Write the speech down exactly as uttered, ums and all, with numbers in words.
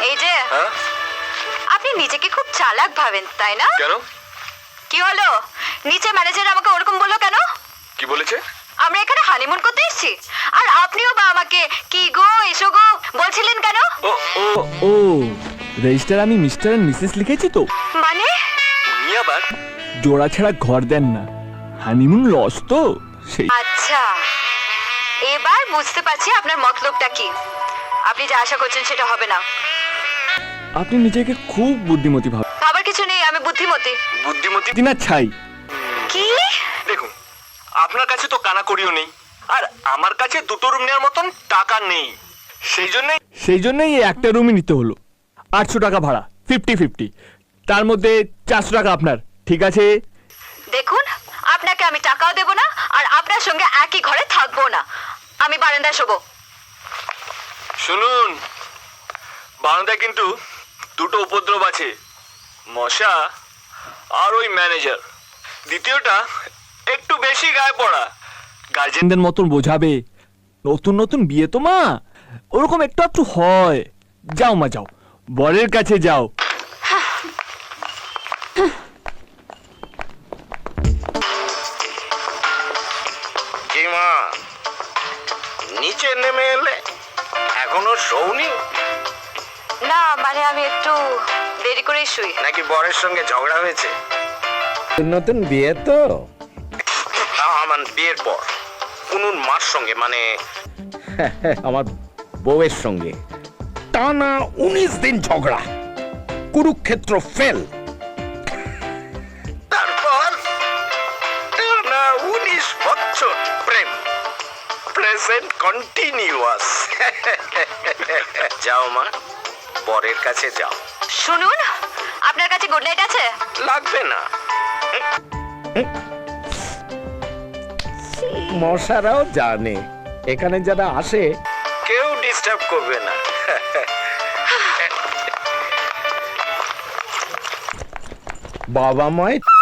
এই যে আপনি নিজেকে খুব চালাক ভাবেন তাই না? কেন? কি হলো? নিচে ম্যানেজার আমাকে ওরকম বললো কেন? কি বলেছে? আমরা এখানে হানিমুন করতে এসেছি, আর আপনিও বা আমাকে কি গো এসো গো বলছিলেন কেন? ও ও ও রেজিস্টার আমি মিস্টার এন্ড মিসেস লিখেছি তো। মানে উনি আবার জোড়া ছাড়া ঘর দেন না, হানিমুন লস তো সেই। আচ্ছা, এবার বুঝতে পারছি আপনার মতলবটা কি। আপনি যা আশা করছেন সেটা হবে না। আপনি নিজেকে খুব বুদ্ধিমতী ভাবেন। ভাবার কিছু নেই, আমি বুদ্ধিমতী। বুদ্ধিমতী না ছাই। কি? দেখুন, আপনার কাছে তো কানাকড়িও নেই, আর আমার কাছে দুটো রুম নেওয়ার মতন টাকা নেই। সেই জন্যই সেই জন্যই এই একটা রুমই নিতে হলো। আটশো টাকা ভাড়া, ফিফটি ফিফটি, তার মধ্যে চারশো টাকা আপনার, ঠিক আছে? দেখুন, আপনাকে আমি টাকাও দেব না, আর আপনার সঙ্গে একই ঘরে থাকবো না। আমি বারান্দায় শোবো। শুনুন, বারান্দায় কিন্তু দুটো উপদ্রব আছে, মশা আর ওই ম্যানেজার। দ্বিতীয়টা একটু বেশি গায়ে পড়া। গার্জেন গার্জেনদের মতন বোঝাবে, নতুন নতুন বিয়ে তো মা, ওরকম একটু একটু হয়। যাও মা যাও, বরের কাছে যাও। কি মা, নিচে নেমে এলে? এখনো শোনি না মানে আমি একটু দেরি করেই শুই। নাকি বরের সঙ্গে ঝগড়া হয়েছে? নতুন বিয়ে তো। আমার বিয়ের পর কুনুর মার সঙ্গে, মানে আমার বউয়ের সঙ্গে টানা উনিশ দিন ঝগড়া, কুরুক্ষেত্র ফেল। তারপর টানা উনিশ বছর প্রেম, প্রেজেন্ট কন্টিনিউয়াস। যাও মা, বরের কাছে যাও। শুনুন, আপনার কাছে গুড নাইট আছে? লাগবে না। মশারাও জানে এখানে যারা আসে কেউ ডিস্টার্ব করবে না। বাবা মায়